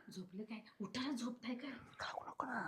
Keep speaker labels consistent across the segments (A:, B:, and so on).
A: झोपले काय? उठायला झोपताय काय?
B: खाऊ नको ना.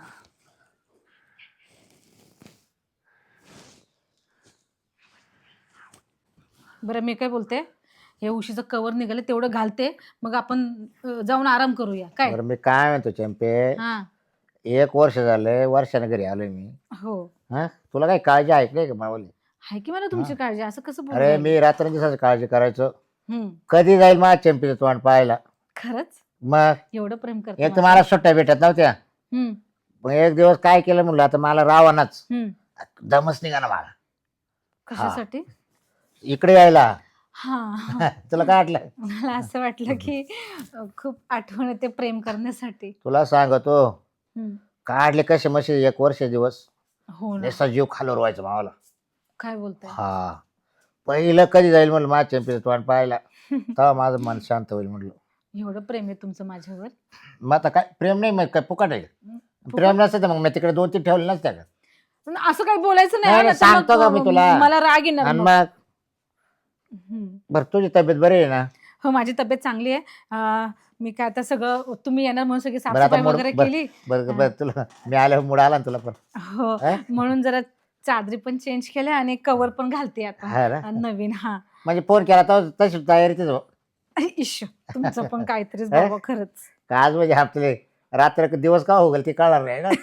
A: बरं मी काय बोलते, हे उशीचं कवर निघाले तेवढं घालते, मग आपण जाऊन आराम करूया काय?
B: बरं मी काय म्हणतो चंपे,
A: हा
B: 1 वर्ष झालंय, वर्षाने घरी आलोय मी.
A: हो
B: हा तुला काही काळजी ऐकली का मावली?
A: आहे की मला तुमची काळजी, असं कसं बोलू
B: अरे
A: राहिले?
B: मी रात्रंदिवसाची काळजी करायचो.
A: हम्म
B: कधी जाईल माझ्या चंपीचं तोंड पाहायला?
A: खरंच
B: मग
A: एवढं प्रेम करते
B: एक तर मला सुट्ट्या भेटत नव्हत्या.
A: हम्म
B: मग एक दिवस काय केलं म्हणलं, आता मला रावणाच
A: हम्म
B: दमच निघाला मला
A: कशासाठी?
B: इकडे यायला.
A: हा
B: तुला काय वाटलं?
A: मला असं वाटलं की खूप आठवण येते प्रेम करण्यासाठी.
B: तुला सांगतो,
A: हम्म.
B: काढले कसे मशी 1 वर्ष दिवस.
A: हो ना,
B: नेसा जीव खालवर व्हायचं मावाला.
A: काय बोलताय?
B: हा पहिलं कधी जाईल म्हणलं माझ्या चंपीचं तोंड पाहायला, तेव्हा माझं मन शांत होईल म्हणलं.
A: एवढं प्रेम आहे तुमचं माझ्यावर?
B: मग आता काय प्रेम नाही, मग काय फुकट आहे? प्रेम नसतं तर मग मी तिकडे 2-3 ठेवले नसत्या का?
A: पण असं काही बोलायचं
B: नाही,
A: नाही,
B: नाही,
A: नाहीतर
B: सांगतो का मी
A: मग
B: तुला?
A: मला राग येणार
B: आणि
A: मग.
B: मग
A: हम्म.
B: बरं तुझी तब्येत बरी आहे ना?
A: हो माझी तब्येत चांगली आहे. मी काय आता सगळं तुम्ही येणार म्हणून सगळी
B: बरं आता
A: साफसफाई वगैरे केली.
B: बरं बरं तुला मी आल्यावर मूड आला ना तुला पण?
A: हो
B: हा?
A: म्हणून जरा चादरी पण चेंज केल्या आणि कवर पण घालते
B: हा ना?
A: आता नवीन. हा
B: म्हणजे फोन केला तर तशी तयारीतच हो.
A: इश्श तुमचं पण काहीतरीच
B: हा?
A: बाबा खरंच.
B: का आज म्हणजे आपले रात्र दिवस का हो गेल ते कळणार नाही ना.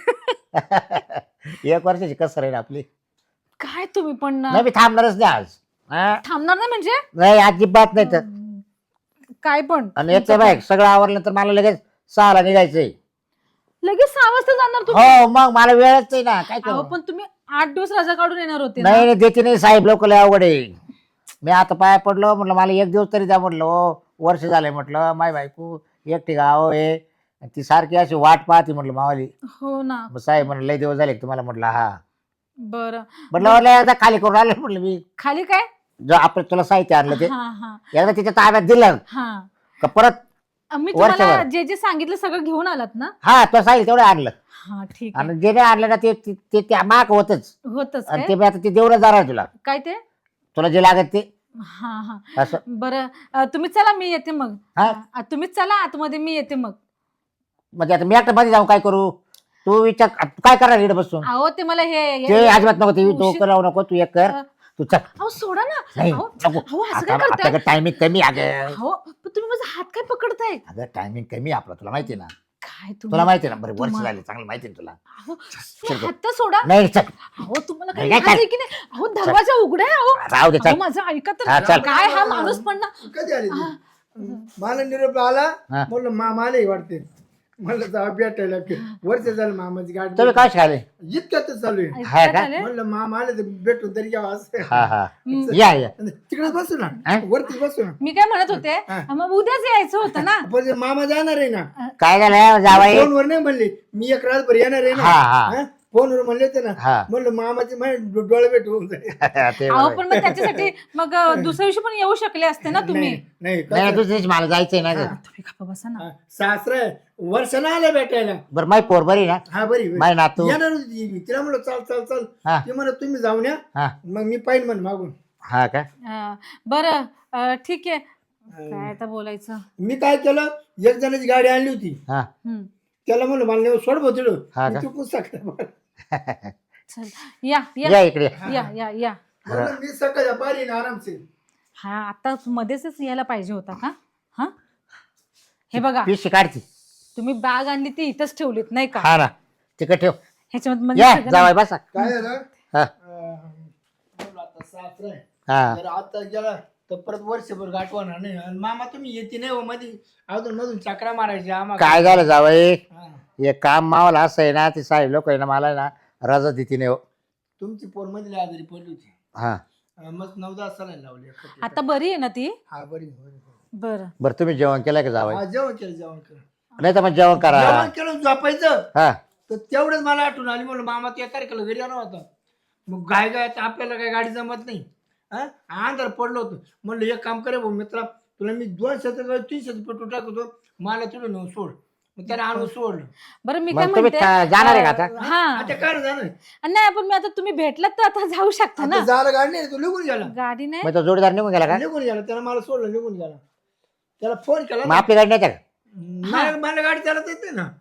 B: 1 वर्षाची कसर आहे ना आपली.
A: काय तुम्ही पण ना,
B: नाही मी थांबणारच नाही आज. हा?
A: थांबणार नाही म्हणजे?
B: नाही अजिबात नाही तर.
A: काय पण
B: आणि येते बाय सगळं आवरलं तर मला लगेच 6ला निघायचंय.
A: लगेच 6 वाजता जाणार तुम्ही?
B: हो मग मला वेळच नाही ना, काय
A: अहो
B: करू?
A: पण तुम्ही 8 दिवस रजा काढून येणार होते ना.
B: नाही नाही देते नाही साहेब, लोक लय अवघड आहे. मी आता पाया पडलो म्हटलं मला 1 दिवस तरी द्या म्हटलं. हो वर्ष झालंय म्हटलं, माय बायको एकटी गाव आहे, ती सारखी अशी वाट पाहते म्हटलं मावाली.
A: हो ना.
B: मग साहेब म्हटलं लय दिवस झाले का तुम्हाला? म्हटलं हा.
A: बरं
B: म्हटलं एकदा खाली करून आलं म्हटलं मी.
A: खाली काय?
B: जो आपण तुला साहित्य आणलं ते
A: हा हा
B: एकदा तिच्या ताब्यात दिलं
A: हा.
B: का परत
A: मी तुम्हाला
B: वर्षभर.
A: जे जे सांगितलं सगळं घेऊन आलात ना?
B: हा तो साहित्य तेवढं आणलं.
A: हा ठीक आहे.
B: आणि जे नाही आणलं ना ते त्या माग होतच.
A: होतच
B: आणि
A: काय?
B: ते मी आता ते देऊनच जाणार तुला.
A: काय ते?
B: तुला जे लागत ते
A: हा हा
B: असं.
A: बरं तुम्ही चला मी येते मग.
B: हा?
A: तुम्हीच चला आतमध्ये, मी येते मग.
B: म्हणजे आता मी एकटा मध्ये जाऊन काय करू? तू विचार तू काय करणार इकडे बसून?
A: अहो ते मला
B: ते अजिबात नको, ते डोकं लावू नको, तू एक कर.
A: अ,
B: तू चल.
A: अहो सोडा ना.
B: नाही
A: अहो
B: नको.
A: अहो, असं काय करताय?
B: आता टायमिंग कमी अगं.
A: अहो पण तुम्ही माझा हात काय पकडताय?
B: अगं टायमिंग कमी आपला, तुला माहिती आहे ना.
A: काय
B: तुला माहिती आहे ना, बरं वर्ष
A: तुम्हा-
B: झाले चांगलं माहिती आहे ना तुला.
A: अहो
B: चल
A: तुम्ही
B: गं.
A: हात तर सोडा.
B: नाही चल.
A: अहो तुम्हाला
B: नाही,
A: काही
B: काय
A: लाज आहे की नाही? अहो दरवाजा उघडा आहे. अहो
B: राहू दे
A: अहो,
B: चल.
A: माझं ऐका
B: हा,
A: तर.
B: चल.
A: काय हा माणूस पण ना.
C: कधी आली ती?
A: हा.
C: मला निरोप आला,
B: हा.
C: म्हणलं मामालाही वाटते. म्हणलं जा भेटायला वर्ष झालं मामाची गाडी
B: तुम्ही काय शिकाले?
C: इतक्यातच चालू आहे.
B: हा का?
A: झाले?
C: म्हणलं मामा आले तर भेटून तरी घ्यावा असं.
B: हा हा या या.
C: तिकडे बसू ना,
B: हा?
C: वरती बसू ना.
A: मी काय म्हणत होते,
C: हा.
A: मग उद्याच यायचं होतं ना.
C: पण ते मामा जाणार आहे ना,
B: काय झालं जावाई?
C: फोनवर नाही म्हणले मी एक रातभर येणार आहे ना.
B: हा हा
C: हा? फोनवर म्हणले होते ना.
B: हा.
C: म्हणलं मामाचे माझे डोळे भेट होऊन जाईल.
B: ते
A: अहो
B: बरोबर.
A: पण मग त्याच्यासाठी मग दुसऱ्या दिवशी पण येऊ शकले असते ना तुम्ही.
C: नाही नाही
B: नाही
C: कसं-
B: दुसरीच मला जायचंय ना ग.
C: हा.
A: तुम्ही गप्प बसा ना.
C: हा, सासरा आहे. वर्षानं आले भेटायला.
B: बरं माई पोर बरी ना?
C: हा बरी बरी.
B: माय नातू?
C: येणार होती ती. तिला म्हणलं चाल चाल चाल.
B: हा
C: ती म्हणत तुम्ही जाऊन या,
B: हा
C: मग मी पाहिजे म्हण मागून.
B: हा का?
A: बरं ठीक आहे. काय आता बोलायचं.
C: मी काय केलं, एक जणाची गाडी आणली होती,
B: हा
A: हम्म.
C: त्याला म्हणलं मला नेऊन सोड भाऊ तिकडं.
B: हा
C: मी
B: का?
C: चुकून सकाळ
A: चल या
B: या
A: या
B: इकडे.
A: या या या.
C: म्हणलं मी सकाळच्या पारी ना आरामसे.
A: हा आता मध्येच यायला पाहिजे होता का? हा हे बघा,
B: पिशी काढती.
A: तुम्ही बॅग आणली ती इथंच ठेवलीत नाही का?
B: हा ना तिकडे ठेव.
A: ह्याच्यामध्ये म्हणजे
B: या
A: सगळं-
B: जावाय बसा.
C: काय झालं,
B: हा
C: म्हणलं आता सासरा आहे.
B: हा
C: जर आता गेला तर परत वर्षभर गाठवणार नाही. आणि मामा तुम्ही येते नाही हो मध्ये, अजून मधून चक्रा मारायच्या आम्हाला.
B: काय झालं जावाई?
C: हा.
B: हे काम मावाला असं आहे ना, ते साहेब लोक आहे ना मला ना रजा देते नाही हो.
C: तुमची पोर मध्ये आजारी पडली होती,
B: हा
C: मग 9-10 साला लावली.
A: आता बरी आहे ना ती?
C: हा बरी बरी.
A: बरं
B: बरं तुम्ही जेवण केलं का जावाई?
C: हा जेवण केलं जेवण केलं.
B: नाही तर मग जेवण करा.
C: जेवण केलं झोपायचं.
B: हा
C: तर तेवढंच मला आठवण आली, म्हणलं मामा त्या तारखेला घरी येणार होता. मग गाय गाय आपल्याला काही गाडी जमत नाही. हा अंधार पडलं होतं. म्हणलं एक काम करे भाऊ मित्रा, तुला मी 200-300 पेट्रोल टाकतो, मला तुला नेऊन सोड. मग त्याला आणून सोडलं.
A: बरं मी काय
B: मग तुम्ही
A: म्हणते,
B: जाणार आहे का आता?
A: हा
C: आता काय जाणार
A: नाही पण मी आता तुम्ही भेटलात तर आता जाऊ शकता ना.
C: आता झालं गाडी नाही, तू निघून गेला.
A: गाडी नाही.
B: मग तो जोडीदार निघून गेला का?
C: निघून गेला, त्याला मला सोडलं निघून गेला. त्याला फोन केला
B: मग आपली गाडी नाही का?
C: मला गाडी चालत येते ना.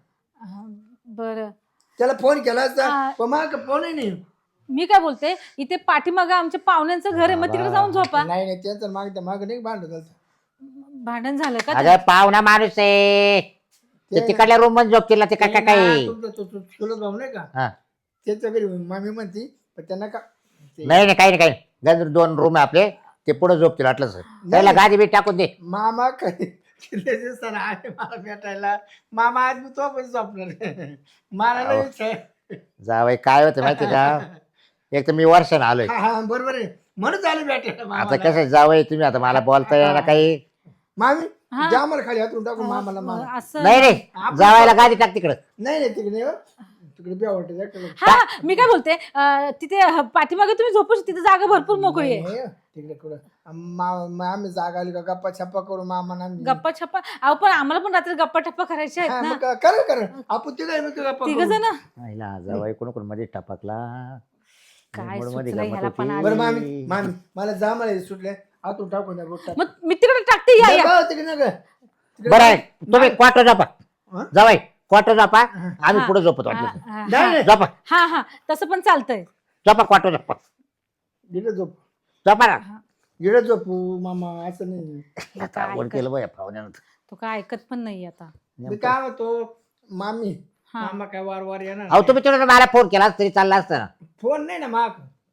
A: बरं
C: त्याला फोन केला असता
A: हा.
C: पण मला फोनही नाही.
A: मी काय बोलते, इथे पाठीमागं आमच्या पाहुण्यांचं घर आहे, मग तिकडे जाऊन झोपा.
C: नाही त्यांचं माग नाही भांडत झालं.
A: भांडण झालं का
B: अगं पाहुणा माणूस आहे ते तिकडल्या रूम मध्ये झोपतील ते काय काय
C: तुमचा तो चुलत भाऊ नाही का
B: हा.
C: त्याच्या घरी मामी म्हणती पण त्यांना का
B: नाही नाही काही नाही काही नाही. 2 रूम आहे आपले ते पुढे झोपतील वाटलं सर त्याला गादी बीट टाकून दे.
C: मामा किती दिवसानं आले मला भेटायला. मामा आज मी तो पण झोपणार मला नाही विचार.
B: जावई काय होतं माहिती का एक तर मी वर्षानं आलोय
C: हा बरोबर आहे म्हणून झालं भेटायला
B: आता
C: मामाला.
B: कसं जावई तुम्ही आता मला बोलता यायला काही
C: मामी
A: हा.
C: द्या मला खाली हातून टाकून मामाला मामा.
A: असं
B: नाही रे जावायला गादी टाक तिकडं.
C: नाही नाही तिकडे नाही, तिकडे बी आवडते
A: हा मी काय बोलते, तिथे पाठीमागे तुम्ही झोपू शकता, तिथे जागा भरपूर मोकळी आहे.
C: तिकडे कुठं आम्ही जागा आली का गप्पा छप्पा करू मामा ना आम्ही.
A: गप्पा छप्पा अहो, पण आम्हाला पण रात्री गप्पा टप्पा करायच्या
C: हा,
A: आहेत ना.
C: मग करा आपण तिघ गप्पा
A: तिघ
C: करू.
A: जण
B: आईला जावई कोण मध्ये टपकला
A: काय
B: मूड मध्ये
A: सुचलं
B: गंमत
A: ह्याला पण
B: होती.
C: बरं मामी मामी मला जा मला सुटले आतून टाकून द्या बोट टाक.
A: मग मी तिकडे टाकते, या या.
C: तिकडे नका
B: बरं आहे तुम्ही क्वार्टर झोपा
C: हा?
B: जावाई क्वार्टर झोपा आम्ही पुढे झोपतो वाटलं तर.
A: हा,
C: नाही, नाही.
B: झोपा
A: हा हा तसं पण चालतंय.
B: झोपा क्वार्टर झोपा
C: इकडे झोप
B: झोपा ना.
C: इकडे झोपू मामा असं नाही.
B: आता आवड केलं बघ या पाहुण्यानं.
A: तो काय ऐकत पण नाही आता.
C: मी काय म्हणतो मामी
A: हा.
C: मामा काय वार येणार
B: अहो तुम्ही तिकडे मला फोन केला तरी चालला असता ना.
C: फोन नाही ना माग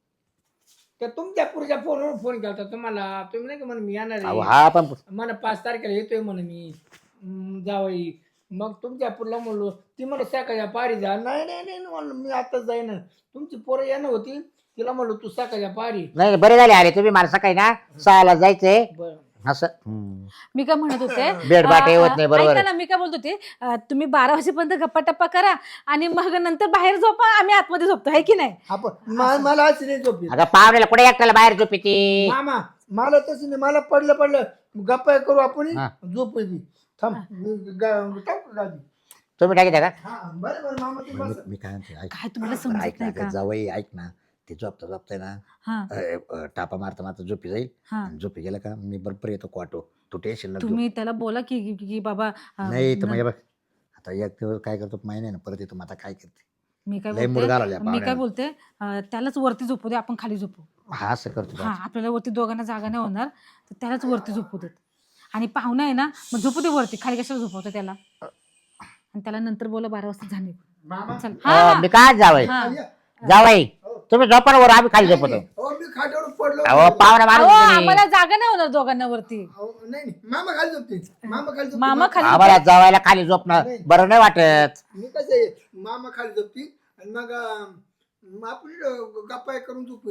C: तर तुमच्या पुढच्या फोनवर फोन केला होता तुम्हाला. तुम्ही नाही का म्हणे मी येणार
B: अहो
C: आहे
B: हा पण
C: मला 5 तारखेला येतोय म्हणे मी जावई. मग तुमच्या पुढला म्हणलो ती म्हणलं सकाळच्या पारी जा. नाही नाही नाही म्हणलं मी आताच जाईन. तुमची पोरं येणं होती तिला म्हणलो तू सकाळच्या पारी.
B: नाही बरे झाले आले तुम्ही मला सकाळी ना 6ला जायचंय
C: बरं
B: असं
A: मी काय म्हणत होते,
B: बेड बाटे होत नाही बरोबर
A: ऐका ना, मी काय बोलत होते, तुम्ही 12 वाजेपर्यंत गप्पा टप्पा करा आणि मग नंतर बाहेर झोपा, आम्ही आतमध्ये झोपतो, आहे की नाही.
C: आपण मला अशी नाही झोपी
B: अगं पाहुण्याला कुठे एकट्याला बाहेर झोपी ती.
C: मामा मला तसं नाही. मला पडलं गप्पा करू आपण
B: हा.
C: झोप येते. थांब मी टाकू गादी.
B: तुम्ही टाकी का
C: हा बरं मामा तू बस.
B: मी काय म्हणते ऐक
A: काय तुम्हाला समजत
B: ऐक
A: नाही
B: ना
A: का.
B: जावई ऐक ना ते झोपताय ना
A: हा
B: टापा मारता झोपी जाईल
A: हा
B: आणि झोपी गेला का मी बरोबर येतो क्वाटो तू टेन्शन नको घेऊ.
A: तुम्ही त्याला बोला की बाबा
B: नाही तर मग हे बघ आता एक दिवस काय करतो माहिती नाही ना परत येतो मग आता काय करते
A: मी काय
B: लय मूड घालवल्या
A: बोलते, मी काय
B: पाहुण्यानं.
A: बोलते, त्यालाच वरती झोपू दे, आपण खाली झोपू.
B: हा असं करतो
A: हा आपल्याला वरती दोघांना जागा नाही होणार, तर त्यालाच वरती झोपू देत. आणि पाहुणा आहे ना, मग झोपू दे वरती, खाली कशाला झोपवतो त्याला. आणि त्याला नंतर बोला 12 वाजता झाले.
C: मामा
A: चल हा
B: मी काय जावई
A: हा.
B: जावई तुम्ही झोपा ना वर आम्ही खाली झोपतो.
C: हो मी खाट्यावर पडलो.
B: अहो पाहुणा
A: अहो,
B: माणूस
A: आम्हाला जागा नाही होणार दोघांना वरती.
C: अहो, नाही मामा खाली झोपते. मामा खाली झोपते.
A: मामा खाली
B: आम्हाला जावायला खाली झोपणं बरं नाही वाटत.
C: मी कसं आहे मामा खाली झोपती आणि मग आपण गप्पा करून झोपू.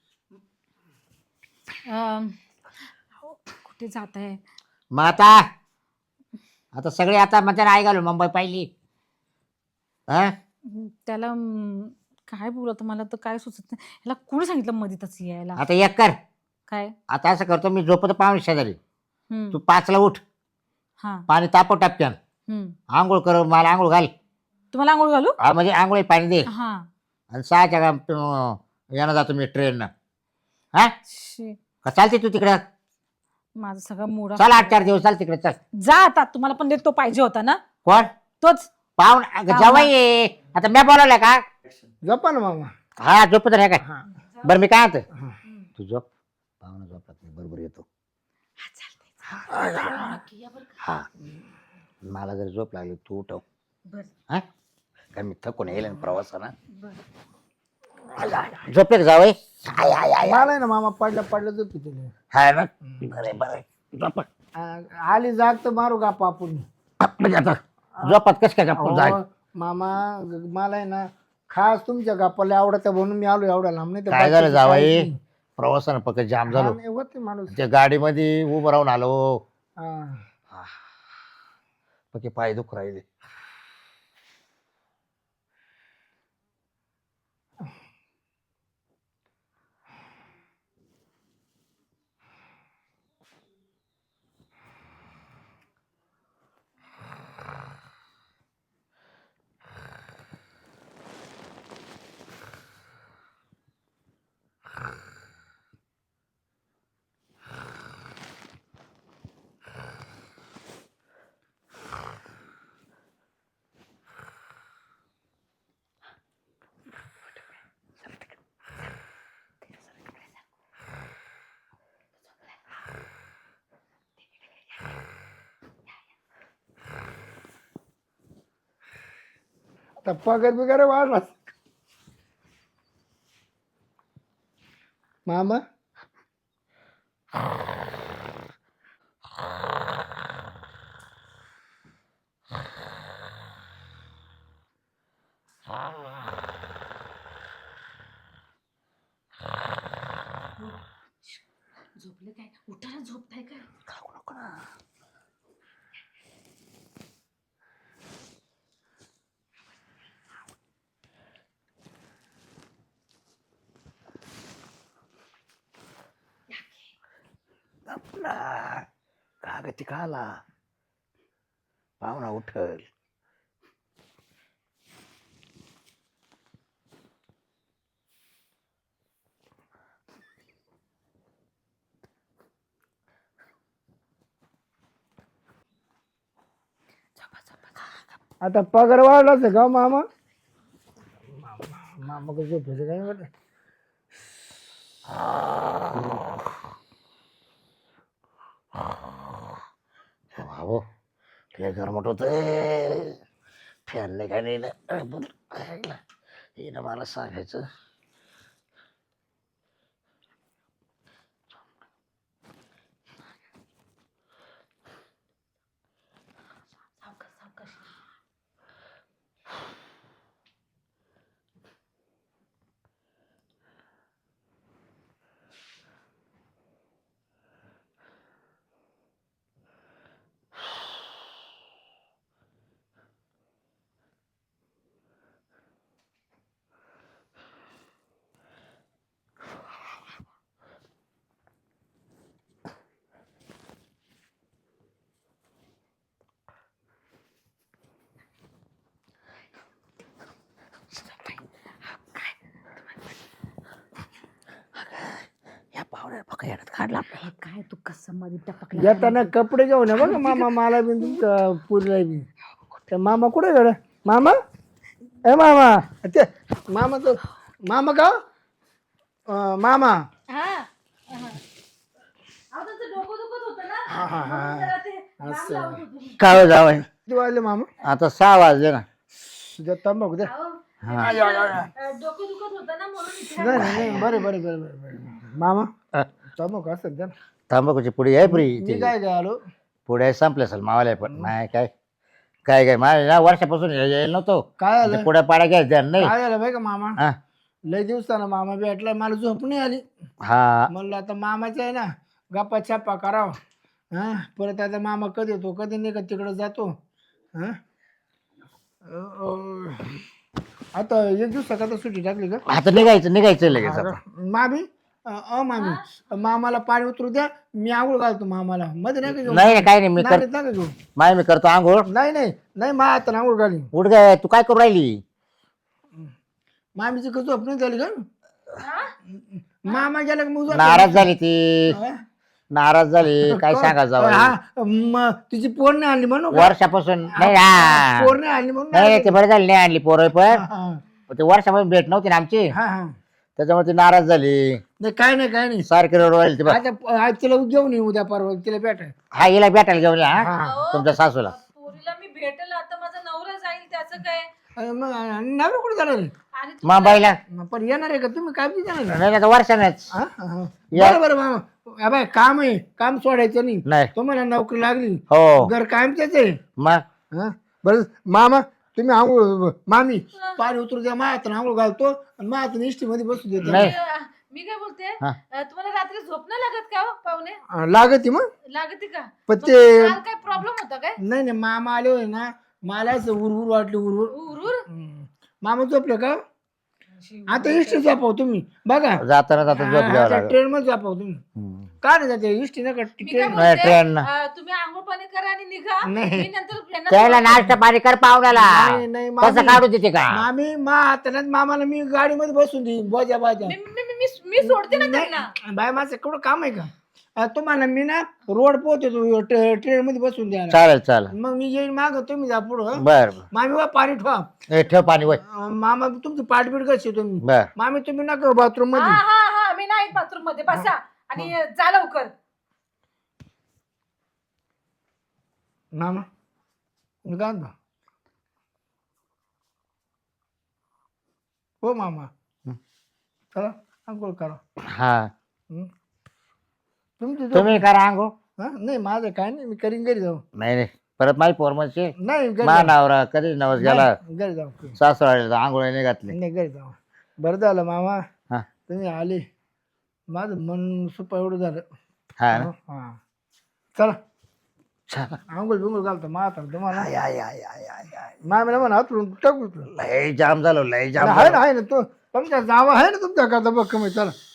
A: कुठे जात आहे.
B: मग आता सगळे आता म्हणजे आई घालून मुंबई पाहिली हा
A: त्याला काय बोलत मला तर काय सुचत नाही. ह्याला कोणी सांगितलं मधीतच यायला.
B: आता एक कर
A: काय
B: आता असं करतो मी झोपतो पाहुणे शेजारी
A: हम्म,
B: तू 5ला उठ
A: हा
B: पाणी तापव टपक्यान
A: हम्म.
B: आंघोळ कर मला आंघोळ घाल
A: तुम्हाला आंघोळ घालू.
B: म्हणजे आंघोळी पाणी दे
A: हा
B: आणि 6च्या यानं जातो मी ट्रेननं हा
A: शी,
B: का चालते तू तिकडं
A: माझा सगळा मूड
B: चल 8-4 दिवस चाल तिकडे चल.
A: जा आता. तुम्हाला पण तो पाहिजे होता ना,
B: कोण
A: तोच.
B: पाहुण जवाई आहे. आता मी बोलवलंय का
C: गप्पा ना मामा.
B: हा झोपत नाही काय
C: हा.
B: बरं मी काय म्हणतो तू झोप पाहुणा झोपत मी बरोबर येतो. हा मला जर झोप लागली तू उठव हा कारण मी थकून येईल ना प्रवासाना. झोपले का जावई
C: मला आहे ना मामा पडलं झोपी तुला.
B: हा ना बरं झोप
C: आली जाग तर मारू गप्पा आपण.
B: म्हणजे आता झोपात कस काय गप्पा जाय
C: अहो, मामा मला आहे ना खास तुमच्या गप्पाला आवडतं म्हणून मी आलो एवढ्या लांब. नाही तर
B: काय झालं
C: बाकीचं
B: जावई
C: काहीच नाही.
B: प्रवासानं पक्क जाम
C: हा,
B: झालो
C: नाही होते माणूस.
B: त्या गाडीमध्ये उभं राहून आलो
C: हा.
B: पक्के पाय दुख राहिले.
C: तर पगार बिगार वाढला मामा.
A: झोपले काय? उठायला झोपताय काय?
B: कागती खाला पाहुणा उठल.
C: आता पगार वाढलाच का मामा. मामा कसं झोपायचं काय वाटत.
B: भाऊ लय गरमट होत. फॅन नाही काय नाही ना. हिनं मला सांगायचं.
A: सावकाश सावकाश.
B: या पाहुण्याला फक्त येण्यात काढला.
A: हे काय तू कसं मध्ये टपकला?
C: येताना कपडे घेऊन या बघा मामा. मला बी तुमच्या पुरीला बी. त्या मामा कुठे गड मामा. ए मामा ते मामा तो मामा का मामा.
A: हा अहो तुमचं डोकं दुखत होतं ना.
C: हा हा हा
A: म्हणून जरा ते बाम
C: असं.
A: लावत होतो.
B: काय जावं
C: किती वाजले मामा.
B: आता 6 वाजले ना.
C: तुझ्या तंबाखू द्या.
A: अहो, डोकं दुखत होतं ना म्हणून इथे
C: नाही नाही नाही, बरे बरे बरे बरे बरे. मामा तंबाखू असं द्या ना.
B: तांबाखूची पुडी आहे फ्री.
C: मी काय काय आलो.
B: पुढे संपले असेल मावाला पण नाही काय काय काय माझ्या वर्षापासून यायला नव्हतो.
C: काय आलं
B: पुढे पाड्या घ्यायच्या नाही.
C: काय झालं बाई का मामा.
B: हा
C: लय दिवसानं मामा भेटला. मला झोप नाही आली.
B: हा
C: म्हणलं आता मामाचं आहे ना गप्पा छप्पा करावं. हा परत आता मामा कधी येतो कधी नाही का तिकडे जातो. हा आता एक दिवसाकरता सुट्टी टाकली का.
B: आता निघायचं लगेच आता.
C: मामी मामी मामाला पाणी उतरू द्या. मी आंघोळ घालतो मामाला मध्ये नाही का घेऊ.
B: नाही काही नाही मी
C: नालीत नका घेऊ.
B: मी करतो आंघोळ.
C: नाही नाही नाही मा आता आंघोळ घाली.
B: उठ गे तू काय करू राहिली.
C: मामीची कसं झोप नाही झाली का. मामा गेला का मग झोप.
B: नाराज झाली ती.
C: हा?
B: नाराज झाली काय सांगा जावं.
C: हा, तिची पोर नाही आणली म्हणून का?
B: वर्षापासून नाही हा.
C: पोर नाही आणली म्हणून
B: नाही ते बरं झाली नाही आणली पोरं पण
C: हा,
B: ते वर्षापासून भेट नव्हती ना आमची.
C: हा, हा.
B: त्याच्यामुळे ती नाराज झाली.
C: नाही काय नाही काय नाही.
B: सारखी रडवायला ती बघ.
C: आता आज तिला घेऊन येऊ उद्या परवा तिला भेटाय.
B: हा हिला भेटायला घेऊन या हा.
C: हा.
B: तुमच्या सासूला.
A: पोरीला मी भेटेल आता माझा नवरा जाईल त्याचं काय.
C: मग नवरा कुठे जाणार आहे?
A: आणि
B: मुंबईला
C: पण येणार आहे का तुम्ही काय बी जाणार आहे?
B: नाही आता वर्षानेच
C: हा? हा, हा.
B: या.
C: बरं बरं मामा अबे काम आहे काम सोडायचं नाही.
B: नाही
C: तुम्हाला नोकरी लागली
B: हो
C: घर कायमचेच आहे.
B: मग
C: हा बरं मामा तुम्ही आंघोळ मामी पाणी उतरू द्या मायातून आंघोळ घालतो आणि मायातून इष्टीमध्ये बसू देतो.
B: नाही
A: मी काय बोलते
B: हा.
A: तुम्हाला रात्री झोप नाही लागत का हो, पाहुणे?
C: लागत मग
A: लागते का?
C: पण
A: मग
C: ते
A: काल काय प्रॉब्लेम होता काय?
C: नाही नाही मामा आले होते ना मला असं उरउर वाटली उरउर.
A: उरूर
C: मामा झोपले का आता इष्टी झोपाव तुम्ही बघा.
B: जाताना झोप घ्यावं लागेल.
C: ट्रेन मध्ये झोपाव तुम्ही.
B: हम्म.
C: का नाही जाते इष्टी नका
A: मी काय
C: ट्रेन.
B: नाही,
A: बोलते,
B: ट्रेन.
A: तुम्ही आंघोळ पाणी करा आणि निघा.
C: नाही.
A: मी नंतर यांना
B: त्याला नाश्ता पाणी कर पाहुण्याला.
C: नाही नाही
B: कसं
C: मामी
B: काढू तिथे का
C: मामी हातानात मामाला मी गाडीमध्ये बसून देईन बोजा बाजा.
A: मी सोडते ना त्यांना.
C: बाय माझं केवढं काम आहे का. तुम्हाला मी ना रोड पोहोचतो ट्रेन मध्ये बसून द्या.
B: चालेल चालेल
C: मग मी येईन माग तुम्ही जा पुढं.
B: बर
C: मामी वा पाणी ठेवा.
B: बर ठेव पाणी वय
C: मामा तुमची पाठबीट कशी आहे तुम्ही.
B: बर
C: मामी तुम्ही नका बाथरूम
A: हा
C: मध्ये.
A: हा हा मी नाही बाथरूम मध्ये बसा आणि जा लवकर.
C: मामा मी काय म्हणतो हो मामा
B: हं.
C: चला अंघोळ करा.
B: हा
C: हं. तुमची झोप.
B: तुम्ही करा अंघोळ.
C: हा नाही माझं काय नाही, मी करीन घरी जाऊ.
B: नाही नाही परत माझी पोरमनची
C: नाही घरी
B: मा
C: जाऊ.
B: नावरा कधी नवस गेला
C: नाही, घरी जाऊ.
B: सासरा आंघोळ नाही घातली.
C: नाही घरी जाऊ. बरं झालं मामा
B: हा
C: तुम्ही आले, माझं मन सुपा एवढं झालं.
B: हा ना?
C: हा चला
B: चला.
C: आंघोळ बिंघोळ घालतो माता तुम्हाला.
B: आय, आय, आय, आय, आय, आय.
C: मामीला म्हणा हातून टाकू.
B: लय जाम झालो लय जाम
C: आहे
B: झालो.
C: ना आहे ना तो तुमच्या जावा आहे ना तुमच्या करता बघ कमी. चला